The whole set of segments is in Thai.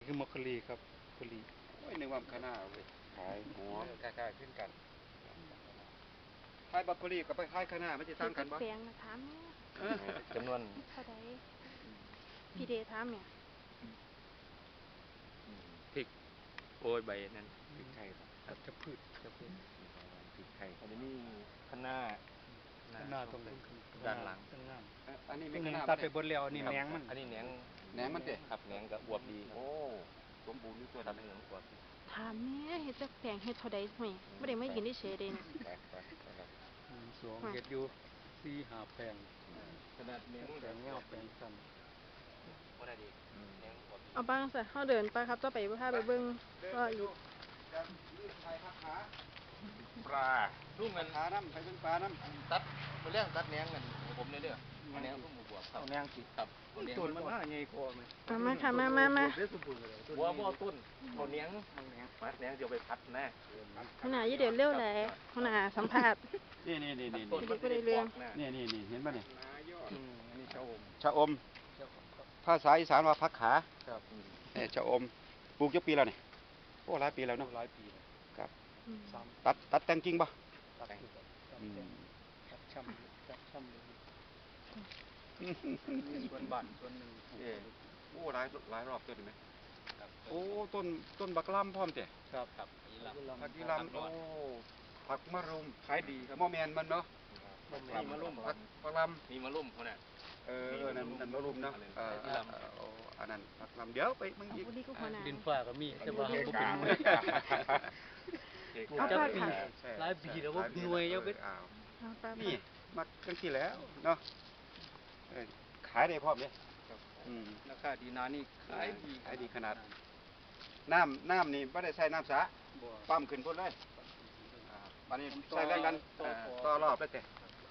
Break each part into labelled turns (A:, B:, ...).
A: คือมอคคลีครับคลี
B: โอ้ยนึกว่าคณะเว้ยขายหัว
A: คล้ายๆขึ้นกัน
B: ขายบรอกโคลีกับไปขายคณะมันจะต่างกันบ่
C: เปลียงถามเนี่ย
A: จำนวน
C: เท่าใดพี่เดถามเนี่ย
A: พริกโอ้ยใบนั้นพริกไทยครับจะพืช
B: พริกไทย
A: อันนี้ข้างหน้า
D: ตรง
A: ด้านหลัง
B: อันนี้ไม่
D: แหน
B: ค
D: ง
B: ณะ
D: ตัดไปบนแล้วนี่แหนงมัน
A: อันนี้แหนง
B: แหนงมันเตะ
A: ครับแหนงกับอวบดีครับ
B: โอ้สมบูรณ์อยู่ตัว
A: ครั
B: นั้
A: บ
B: น
A: แหนงอวบดี
C: ถามเนี่ยเฮ็ดจักแปลงเฮ็ดเท่าใดห่วยบ่ได้มายืนเฉยๆเด้นี่
D: สวงเห็ดอยู่4-5แปลง
A: ขนาดแหนง
D: แปลงเงาแปลงสั้น
A: ก็ได้ดีแหนงอวบดี
C: เอาบ้างซะเฮาเดินไปครับต่อไปพาไปเบิ่งก็อยู่
A: ปลาลูกเงิน
B: ขาน้ำไปเป็นปลาน้ำ
A: ตัดมาเลี้ยงตัดแหนงกันผมเนี่ยแหนงลูกหมูบวบครับ
D: เอาแหนงติด
A: ครับเอาแหนง
D: ต้นมันน่าใหญ่กว่าไหม
C: มาค่ะมา
A: บัวต้นเอาแหนงมัดแหนงเดี๋ยวไปพัดนะ
C: หัวหน้าอย่าเดินเร็วแหละหัวหน้าสัมภาษณ์
B: นี่
A: ต้น
C: บ่ได้เรื่อง
B: นี่เห็นป่ะเนี่ย
D: อันนี้ชะอม
B: ชะอมภาษาอีสานว่าผักขา
D: ครับ
B: ชะอมปลูกกี่ปีแล้วเนี่ยโอ้หลายปีแล้วเนาะ
D: หลายปีแล้ว
B: ครับ
C: อืม
B: ตัดแต่งจริงป่ะ
D: ตัดช่ำเลยส่วนบ้านส่วนหนึ่ง
B: โอ้หลายรอบตัวนี่ไหมโอ้ต้นบักล่ำพร้อมเตะ
D: ครับ
B: ผักกีรำโอ้ผักมะรุม
D: ขายดีครับ
B: มอแมนมันเนาะ
D: มีมะลุ่ม
B: ผักมะลำ
A: มีมะลุ่มเขาเนี่ย
B: นั่นมะรุมเนาะอันนั้นผักลำเดี๋ยวไปมึงอีก
C: บ่ดีก็หัวหน้า
D: ดินฟ้าก็มีแต่ว่าบ่เป็นหน่วย
C: เอาผ้าค่ะ
D: หลายปีแล้วว่าหน่วยยังเป็น
C: เอาไป
B: นี่มาจังที่แล้วเนาะขายได้พร้อมเนี่ย
D: ราคาดีนานี่ขายดี
B: ขายดีขนาดน้ำนี่ไม่ได้ใส่น้ำสา
D: บ่
B: ปั๊มขึ้นพุ่นเลยตอนนี้ใส่แรงดันต่อรอบแล้วแต่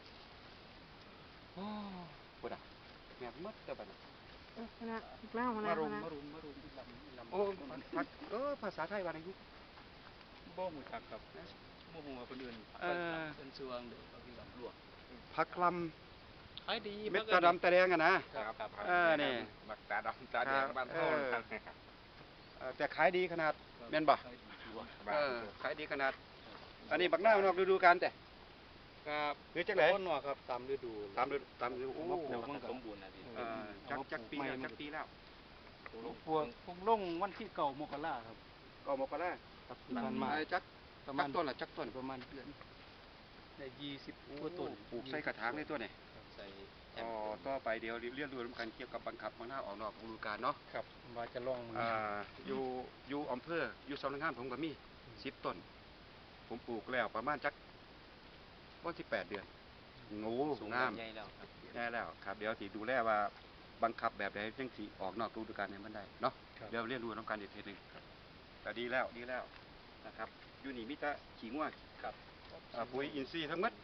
B: โอ้พุ่นอ่ะแม่มดแต่บัดนี้
C: หัวหน้ามาหัวหน้า
B: มารุ
C: หัว
B: ม
C: หน้า
B: มารุม
D: ลำ
B: โอ้ผักภาษาไทยว่าไงลูก
D: บ่หูจักครับบ่หูว่าคนอื่นเป็นสวงเด้อเขาที่ลำลวก
B: ผักล
D: ขายดี
B: ำเม็ดตาดำตาแดงอะนะ
A: ครับ
B: นี่
A: บักตาดำตาแดงบ้านเฮา
B: แต่ขายดีขนาดแม่นบ่ขายดีขนาด อันนี้บักหน้านอกฤดูกาลแต่
D: ครับ
B: หรือจังไหน
D: ต้นว่าครับตามฤดู
B: ตามฤดูโอ้
A: มันสมบูรณ์นะดิ
B: จักปีแล้วจักปีแล้ว
D: พวกลงวันที่9 มกราครับ
B: ก็มกรา
D: ครับมันมา
B: จัก
D: ประมาณ
B: ต้นละจักต้น
D: ประมาณเดือนได้20กว่าต้น
B: ปลูกใส่กระถางในตัวนี่
A: ใส่
B: ต่อไปเดี๋ยวเรียนรู้ร่วมกันเกี่ยวกับบังคับมันหน้าออกนอกฤดูกาลเนาะ
D: ครับว่าจะลองมัน
B: อยู่อำเภออยู่สำนักงานผมก็มี10 ต้น ผมปลูกแล้วประมาณจักวันที่8 เดือนงู
A: สูง
B: งาม
A: ใหญ่แล้วครับ
B: แน่แล้วครับเดี๋ยวสิดูแลว่าบังคับแบบใดจังสิออกนอกฤดูกาลให้มันได้เนาะเดี๋ยวเรียนรู้น้องกันอีกทีหนึงแต่ดีแล้วนะครับอยู่นี่มีแต่ขี้ง่วง
A: ครับ
B: ปุ๋ยอินทรีย์ทั้งหมด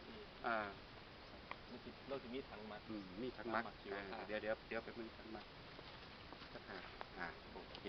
A: เราจะมีถังมัด
B: มีทั้งมัก
A: ชีวภาพ
B: เดี๋ยวไปมึงทั้งมักสักโอเค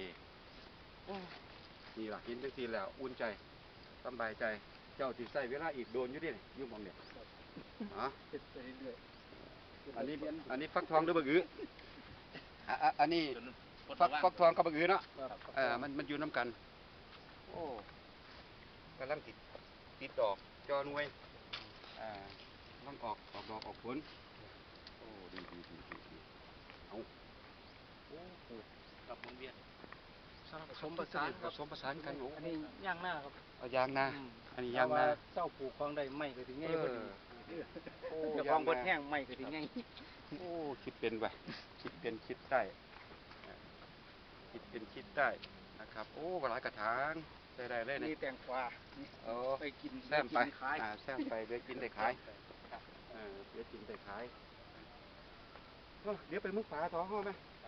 B: นี่ล่ะเห็นจังซี่แล้วอุ่นใจสบายใจเจ้าสิใช้เวลาอีกโดนอยู่ดิอยู่หม่องเนี่ย
D: เฮ็ดไปเรื่อย
B: อันนี้ฟักทองหรือบักอืออันนี้
A: จน
B: ฟักทองกับบักอือเนาะ
D: ครับ
B: มันอยู่น้ำกันโอ้กำลังติดดอกจอหน่วยกำลังออกดอกออกผลโอ้ดีเอาโอ้ปลูก
A: กับวงเวียน
B: ผสมประสานกันโอ้
D: อันนี้ย่างหน้าครับ
B: เอายางนาอันนี้ยางนา
D: เจ้าปลูกของได้ไม่ก็ถึงง่ายพอดี
B: โอ้
D: เจ้าของเบิดแห้งไม่ก็ถึงง่าย
B: โอ้คิดเป็นไปคิดเป็นคิดได้คิดเป็นคิดได้นะครับโอ้หลายกระถางได้เลย
D: นี่
B: นี่
D: แตงกวา
B: โอ้
D: ไปกิน
B: แซมไป
D: ขาย
B: แซมไปเดี๋ยวกินได้ขายเดี๋ยวกินได้ขายเดี๋ยวไปมึงปลาท้องห้อไหม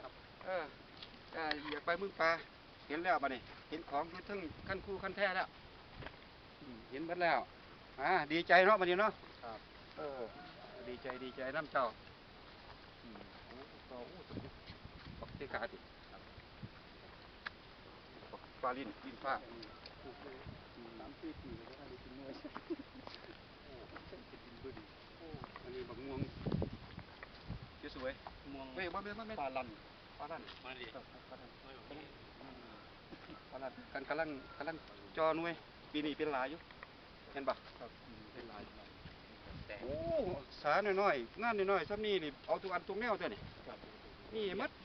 B: อยากไปมึงปลาเห็นแล้วป่ะนี่เห็นของอยู่ทั้งขั้นคู่ขั้นแท้แล้วเห็นหมดแล้วดีใจเนาะวันนี้เนาะดีใจน้ำเจ้าโอ้ปักเตกาติปลาลิ้นฟ้า
D: 3-4 ปีแล้วได้กินหน่วย
B: อันนี้บักม่วงสวย
D: ม่วง
B: เฮ้ยบ่แม่น
D: ปลาลัน
B: ปลาลั่น
A: มาดิ
D: ครับปลาลัน
B: กำลังจอหน่วยปีนี้เป็นหลายอยู่เห็นปะ
D: ครับเป็นหลาย
B: โอ้สาหน่อยๆงานน้อยๆซ้ำนี่นี่เอาทุกอันทุกแนวเด้อนี่
D: ครับ
B: นี่หมัด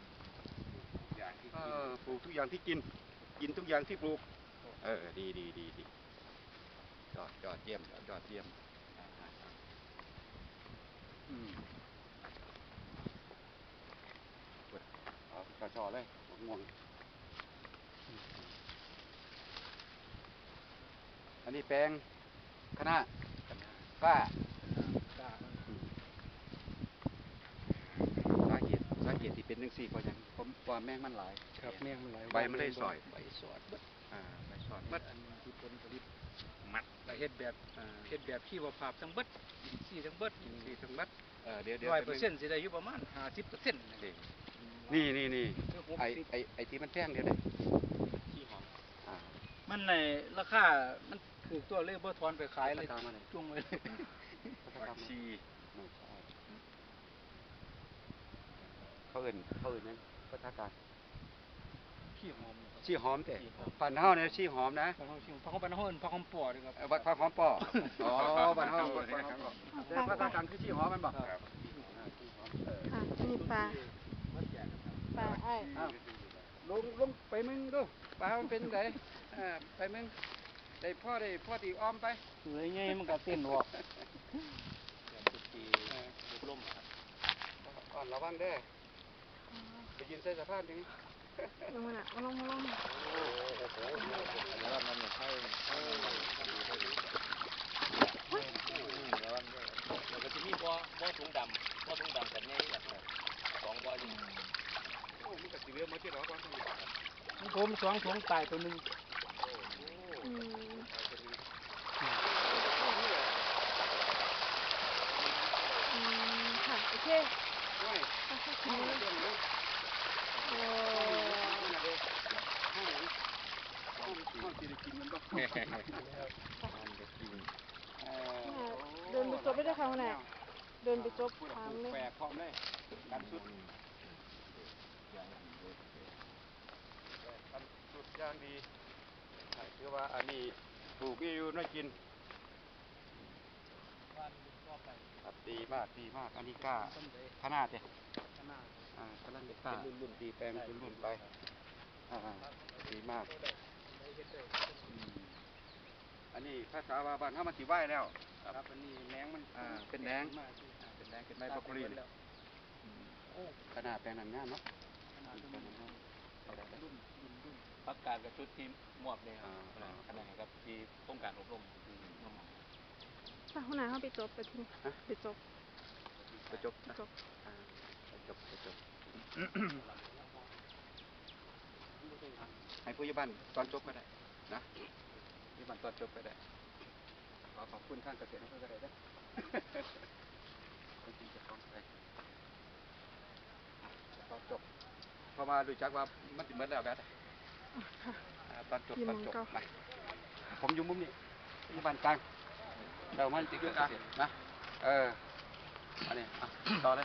B: ปลูกทุกอย่างที่กินทุกอย่างที่ปลูกดียอดเยี่ยมอืมเอากระชอเลยง่วงอันนี้แปลงคะน้าฝ้าสาเหตุที่เป็นจังซี่ก็ยังผมว่าแมงมันหลาย
D: ครับแม่งมันหลาย
B: ใบมันได้สอย
D: ใบสอด
B: ใบสอด
D: มัดอันที่ผลผลิตมัดแต่เฮ็ดแบบชีวภาพทั้งเบิดอินทรีย์ทั้งเบิด
B: ที่ทั้งมัดเดี๋ยว
D: 100%สิได้อยู่ประมาณ 50%นะครับ
B: นี่ไอ้ที่มันแท่งเดี๋ยวนี้
D: ที่หอม
B: อ่า
D: มันในราคามันคือตัวเลขบ่ทอนไปขายเลย
B: ตามมาเลย
D: จุ่งไว้เลย
B: ชีเขาเอื่นนั้นพัฒนาการ
D: ขี้หอมนะครับ
B: ชีหอมแต่ปั่นเฮาเนี่ยชีหอมนะ
D: บางคนชิมพักบ้านเฮาเอิ้นพักหอมปอเด้อครับ
B: บัดผักหอมป่ออ๋อบ้านเฮาแต่พัฒนาการคือชีหอมมันบ่
C: ค่ะอันนี้ปลาไอ้
B: อ้าวลงไปมึงดูปลามันเป็นไงไปมึงได้พ่อตีอ้อมไป
D: สวยไงมันก็เต้นออก
B: ล่มครับก่อนระวังเด้อไปยืนใส่สะพานตรงนี้
C: ลงมาน่ะลง
A: แล้วมันใช่แล้วก็จะมีบ่อถุงดำแบบนี้แบบ2บ่ออยู่
B: โอ้มันก็สิเรือมาที่เราก่อน
D: ผม2ถุงตายตัวหนึง
C: อืมค่ะโอเค
B: โอ้ย
C: ค่ะ
B: ห้องเรื่องนี้
C: โอ้
B: ห้องที่ได้กินมันบ่
C: เดินไปจบได้ค่ะแม่เดินไปจบทางเลย
B: แปลกพร้อมเลยการสุดย่างดีถือว่าอันนี้ปลูกมีอยู่น่ากินครับดีมากอันนี้กล้าขนาดเด้กำลังจะกล้ารุ่นตีแปลงรุ่นไปดีมากอันนี้ภาษาว่าบ้านเฮามันสิไหวแล้ว
D: ครับอันนี้แมงมัน
B: เป็นแดงเป็นไม้บรอกโคลีขนาดแปลงนั้นงามเนาะ
A: พักการกับชุดทีมมอบเนี่ยขณะครับที่โครงการอบรมน้อง
C: ถ้าหัวหน้าเขาไปจบไปทิ้งไปจบ
B: ไปจบให้ผู้ใหญ่บ้านตอนจบก็ได้นะผู้ใหญ่บ้านตอนจบก็ได้ขอบคุณท่านเกษตรอำเภอก็ได้นะคนที่จะฟ้องไปตอนจบพอมาดูจักว่ามันติดเมื่อแล้วแบบตอนจบไปผมอยู่มุมนี้ผู้ใหญ่บ้านกลางเรามันติดอยู่กลางนะอันนี้ต่อเลย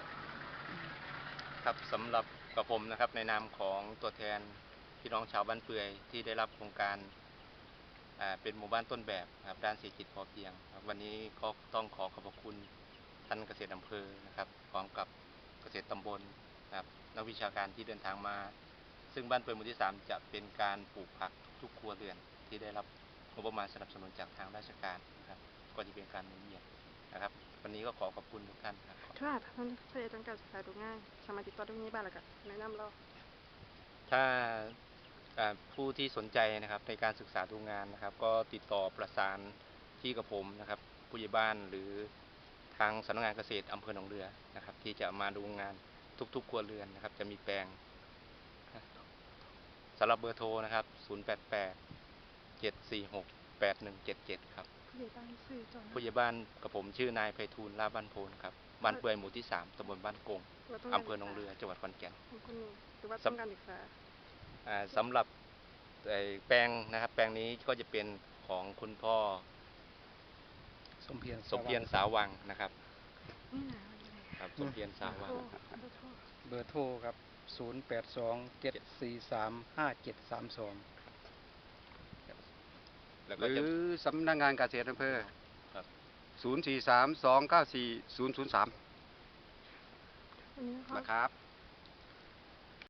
A: ครับสำหรับกับผมนะครับในนามของตัวแทนพี่น้องชาวบ้านเปื่อยที่ได้รับโครงการเป็นหมู่บ้านต้นแบบครับด้านเศรษฐกิจพอเพียงครับวันนี้ก็ต้องขอบพระคุณท่านเกษตรอำเภอนะครับพร้อมกับเกษตรตำบลนะครับนักวิชาการที่เดินทางมาซึ่งบ้านเปื่อยหมู่ที่ 3จะเป็นการปลูกผักทุกครัวเรือนที่ได้รับงบประมาณสนับสนุนจากทางราชการนะครับก็จะเป็นการหมุนเวียนนะครับวันนี้ก็ขอบคุณทุกท่านครับ
C: ถ้าท่านเพื่อต้องการศึกษาดูง่ายสามารถติดต่อได้ที่บ้านแล้วก็แนะนำเรา
A: ถ้าผู้ที่สนใจนะครับในการศึกษาดูงานนะครับก็ติดต่อประสานที่กับผมนะครับผู้ใหญ่บ้านหรือทางสำนักงานเกษตรอำเภอหนองเรือนะครับที่จะมาดูงานทุกครัวเรือนนะครับจะมีแปลงสำหรับเบอร์โทรนะครับ0887468177ครับ
C: ผู้ใหญ่บ้านซื่อจอย
A: ผู้ใหญ่บ้านกับผมชื่อนายไพฑูรย์ลาบบ้านโพนครับบ้านเปื่อยหมู่ที่ 3ตำบลบ้านกงอำเภอหนองเรือจังหวัดขอนแก่น
C: คนนี้หรือว่าต้องการศึกษา
A: สำหรับแปลงนะครับแปลงนี้ก็จะเป็นของคุณพ่อสมเพียรสาวังนะครับ
C: นี่นะวันนี้
A: ครับสมเพียรสาวัง
D: เบอร์โทรครับ0827435732
A: แล้ว
B: ห
A: ก็
B: รื
A: จะ
B: อสำนักงานเกษตรอำเภอ
A: ครับ
B: 043 294 003
C: อันนี้เขา
B: นะครับ